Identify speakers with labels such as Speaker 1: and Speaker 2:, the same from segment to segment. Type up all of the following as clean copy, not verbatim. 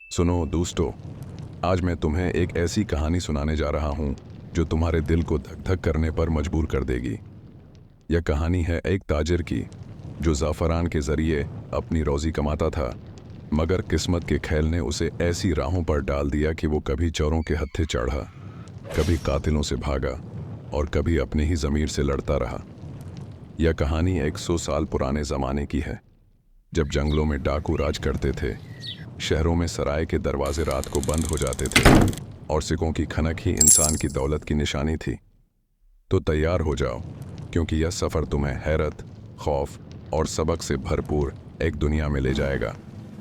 Speaker 1: सुनो दोस्तों, आज मैं तुम्हें एक ऐसी कहानी सुनाने जा रहा हूं जो तुम्हारे दिल को धक धक करने पर मजबूर कर देगी। यह कहानी है एक ताजिर की जो ज़ाफ़रान के ज़रिए अपनी रोज़ी कमाता था, मगर किस्मत के खेल ने उसे ऐसी राहों पर डाल दिया कि वो कभी चोरों के हत्थे चढ़ा, कभी कातिलों से भागा और कभी अपने ही ज़मीर से लड़ता रहा। यह कहानी 100 साल पुराने ज़माने की है, जब जंगलों में डाकू राज करते थे, शहरों में सराय के दरवाजे रात को बंद हो जाते थे और सिक्कों की खनक ही इंसान की दौलत की निशानी थी। तो तैयार हो जाओ, क्योंकि यह सफ़र तुम्हें हैरत, खौफ और सबक से भरपूर एक दुनिया में ले जाएगा।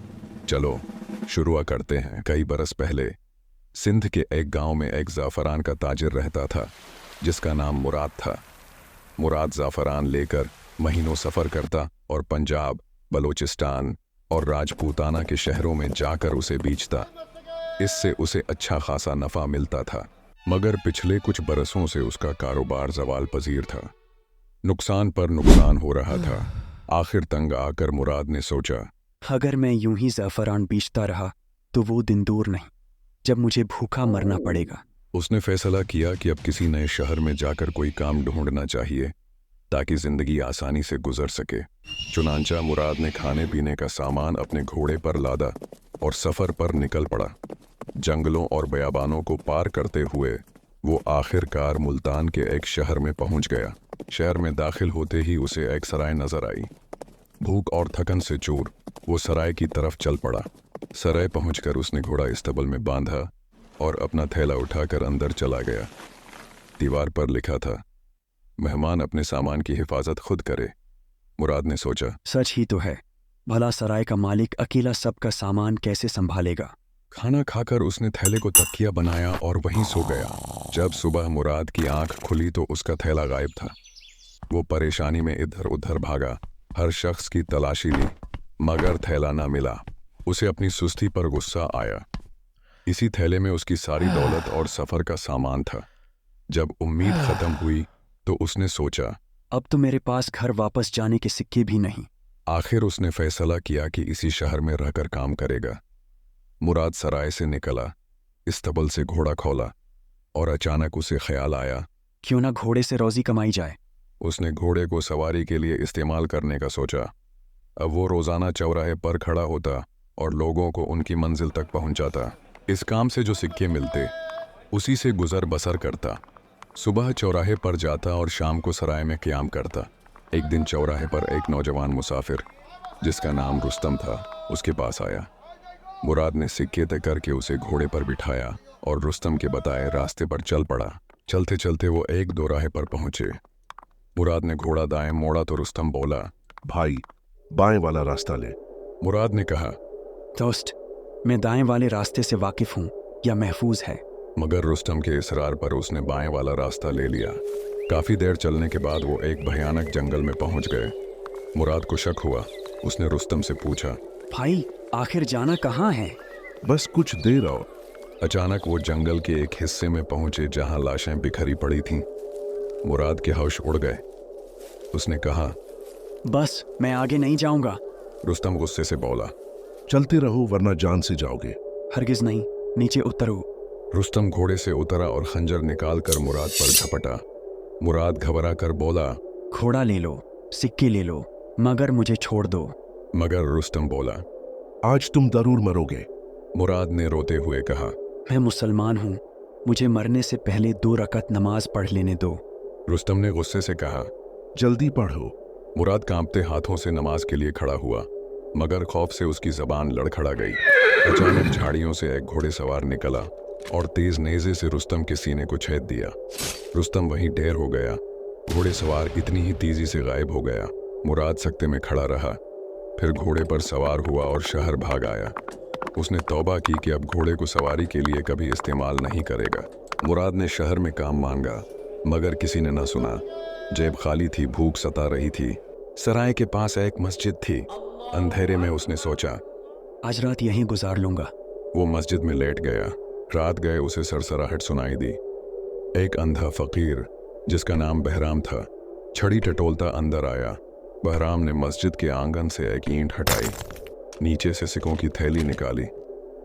Speaker 1: चलो शुरू करते हैं। कई बरस पहले सिंध के एक गांव में एक ज़ाफ़रान का ताजिर रहता था, जिसका नाम मुराद था। मुराद ज़ाफ़रान लेकर महीनों सफ़र करता और पंजाब, बलोचिस्तान और राजपूताना के शहरों में जाकर उसे बेचता। इससे उसे अच्छा खासा नफ़ा मिलता था, मगर पिछले कुछ बरसों से उसका कारोबार ज़वाल पजीर था। नुकसान पर नुकसान हो रहा था। आखिर तंग आकर मुराद ने सोचा,
Speaker 2: अगर मैं यूं ही ज़ाफ़रान बेचता रहा तो वो दिन दूर नहीं जब मुझे भूखा मरना पड़ेगा।
Speaker 1: उसने फैसला किया कि अब किसी नए शहर में जाकर कोई काम ढूंढना चाहिए ताकि जिंदगी आसानी से गुजर सके। चुनांचा मुराद ने खाने पीने का सामान अपने घोड़े पर लादा और सफ़र पर निकल पड़ा। जंगलों और बयाबानों को पार करते हुए वो आखिरकार मुल्तान के एक शहर में पहुंच गया। शहर में दाखिल होते ही उसे एक सराय नजर आई। भूख और थकन से चूर वो सराय की तरफ चल पड़ा। सराय पहुंचकर उसने घोड़ा इस्तबल में बांधा और अपना थैला उठाकर अंदर चला गया। दीवार पर लिखा था, मेहमान अपने सामान की हिफाजत खुद करे। मुराद ने सोचा,
Speaker 2: सच ही तो है, भला सराय का मालिक अकेला सबका सामान कैसे संभालेगा।
Speaker 1: खाना खाकर उसने थैले को तकिया बनाया और वहीं सो गया। जब सुबह मुराद की आंख खुली तो उसका थैला गायब था। वो परेशानी में इधर उधर भागा, हर शख्स की तलाशी ली, मगर थैला ना मिला। उसे अपनी सुस्ती पर गुस्सा आया। इसी थैले में उसकी सारी दौलत और सफ़र का सामान था। जब उम्मीद ख़त्म हुई तो उसने सोचा,
Speaker 2: अब तो मेरे पास घर वापस जाने के सिक्के भी नहीं।
Speaker 1: आखिर उसने फैसला किया कि इसी शहर में रहकर काम करेगा। मुराद सराय से निकला, इस्तबल से घोड़ा खोला और अचानक उसे ख्याल आया,
Speaker 2: क्यों ना घोड़े से रोज़ी कमाई जाए।
Speaker 1: उसने घोड़े को सवारी के लिए इस्तेमाल करने का सोचा। अब वो रोज़ाना चौराहे पर खड़ा होता और लोगों को उनकी मंजिल तक पहुंचाता। इस काम से जो सिक्के मिलते उसी से गुजर बसर करता। सुबह चौराहे पर जाता और शाम को सराय में क़याम करता। एक दिन चौराहे पर एक नौजवान मुसाफिर जिसका नाम रुस्तम था उसके पास आया। मुराद ने सिक्के तय करके उसे घोड़े पर बिठाया और रुस्तम के बताए रास्ते पर चल पड़ा। चलते चलते वो एक दोराहे पर पहुंचे। मुराद ने घोड़ा दाएं मोड़ा तो रुस्तम बोला,
Speaker 3: भाई, बाएं वाला रास्ता ले।
Speaker 1: मुराद ने कहा,
Speaker 2: दोस्त, मैं दाएं वाले रास्ते से वाकिफ़ हूँ, यह महफूज है।
Speaker 1: मगर रुस्तम के इसरार पर उसने बाएं वाला रास्ता ले लिया। काफ़ी देर चलने के बाद वो एक भयानक जंगल में पहुंच गए। मुराद को शक हुआ। उसने रुस्तम से पूछा,
Speaker 2: भाई, आखिर जाना कहाँ है।
Speaker 3: बस कुछ देर और।
Speaker 1: अचानक वो जंगल के एक हिस्से में पहुंचे जहां लाशें बिखरी पड़ी थीं। मुराद के होश उड़ गए। उसने कहा,
Speaker 2: बस मैं आगे नहीं जाऊंगा।
Speaker 1: रुस्तम गुस्से से बोला,
Speaker 3: चलते रहो वरना जान से जाओगे।
Speaker 2: हरगिज नहीं, नीचे उतरो।
Speaker 1: रुस्तम घोड़े से उतरा और खंजर निकालकर मुराद पर झपटा। मुराद घबरा कर बोला,
Speaker 2: घोड़ा ले लो, सिक्के ले लो, मगर मुझे छोड़ दो।
Speaker 1: मगर रुस्तम बोला,
Speaker 3: आज तुम जरूर मरोगे।
Speaker 1: मुराद ने रोते हुए कहा,
Speaker 2: मैं मुसलमान हूँ, मुझे मरने से पहले 2 रकत नमाज पढ़ लेने दो।
Speaker 1: रुस्तम ने गुस्से से कहा,
Speaker 3: जल्दी पढ़ो।
Speaker 1: मुराद कांपते हाथों से नमाज के लिए खड़ा हुआ, मगर खौफ से उसकी जबान लड़खड़ा गई। अचानक झाड़ियों से एक घोड़ेसवार निकला और तेज नेज़े से रुस्तम के सीने को छेद दिया। रुस्तम वहीं ढेर हो गया। घोड़ेसवार इतनी ही तेजी से गायब हो गया। मुराद सकते में खड़ा रहा, फिर घोड़े पर सवार हुआ और शहर भाग आया। उसने तौबा की कि अब घोड़े को सवारी के लिए कभी इस्तेमाल नहीं करेगा। मुराद ने शहर में काम मांगा, मगर किसी ने न सुना। जेब खाली थी, भूख सता रही थी। सराय के पास एक मस्जिद थी। अंधेरे में उसने सोचा,
Speaker 2: आज रात यहीं गुजार लूंगा।
Speaker 1: वो मस्जिद में लेट गया। रात गए उसे सरसराहट सुनाई दी। एक अंधा फकीर जिसका नाम बहराम था, छड़ी टटोलता अंदर आया। बहराम ने मस्जिद के आंगन से एक ईंट हटाई, नीचे से सिक्कों की थैली निकाली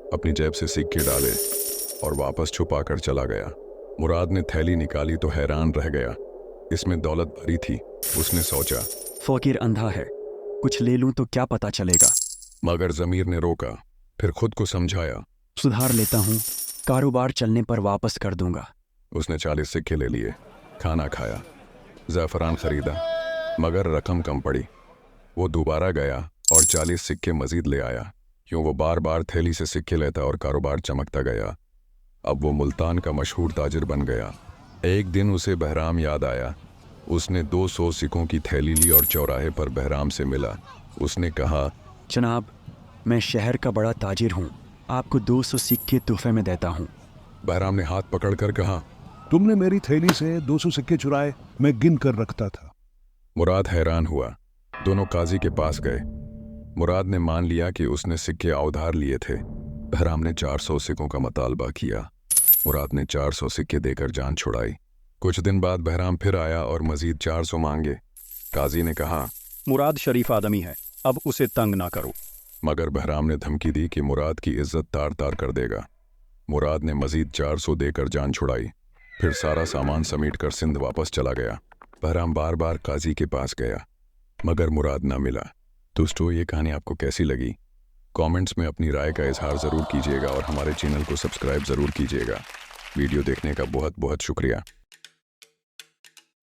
Speaker 1: अपनी जेब से सिक्के डाले और वापस छुपा कर चला गया। मुराद ने थैली निकाली तो हैरान रह गया। इसमें दौलत भरी थी। उसने सोचा,
Speaker 2: फकीर अंधा है, कुछ ले लूं तो क्या पता चलेगा।
Speaker 1: मगर ज़मीर ने रोका। फिर खुद को समझाया।
Speaker 2: सुधार लेता हूँ, कारोबार चलने पर वापस कर दूंगा।
Speaker 1: उसने 40 सिक्के ले लिए, खाना खाया, ज़ाफ़रान खरीदा, मगर रकम कम पड़ी। वो दोबारा गया और 40 सिक्के मजीद ले आया। यूँ वो बार बार थैली से सिक्के लेता और कारोबार चमकता गया। अब वो मुल्तान का मशहूर ताजिर बन गया। एक दिन उसे बहराम याद आया। उसने 200 सिक्कों की थैली ली और चौराहे पर बहराम से मिला। उसने कहा,
Speaker 2: जनाब, मैं शहर का बड़ा ताजिर हूँ, आपको 200 सिक्के तोहफे में देता हूँ।
Speaker 1: बहराम ने हाथ पकड़कर कहा,
Speaker 3: तुमने मेरी थैली से 200 सिक्के चुराए, मैं गिन कर रखता था।
Speaker 1: मुराद हैरान हुआ। दोनों काजी के पास गए। मुराद ने मान लिया कि उसने सिक्के उधार लिए थे। बहराम ने 400 सिक्कों का मुतालबा किया। मुराद ने 400 सिक्के देकर जान छुड़ाई। कुछ दिन बाद बहराम फिर आया और मजीद 400 मांगे। काजी ने कहा,
Speaker 4: मुराद शरीफ आदमी है, अब उसे तंग ना करो।
Speaker 1: मगर बहराम ने धमकी दी कि मुराद की इज्जत तार तार कर देगा। मुराद ने मजीद 400 देकर जान छुड़ाई। फिर सारा सामान समेट कर सिंध वापस चला गया। बहराम बार बार काजी के पास गया, मगर मुराद ना मिला। दोस्तों, ये कहानी आपको कैसी लगी? कमेंट्स में अपनी राय का इजहार ज़रूर कीजिएगा और हमारे चैनल को सब्सक्राइब ज़रूर कीजिएगा। वीडियो देखने का बहुत बहुत शुक्रिया।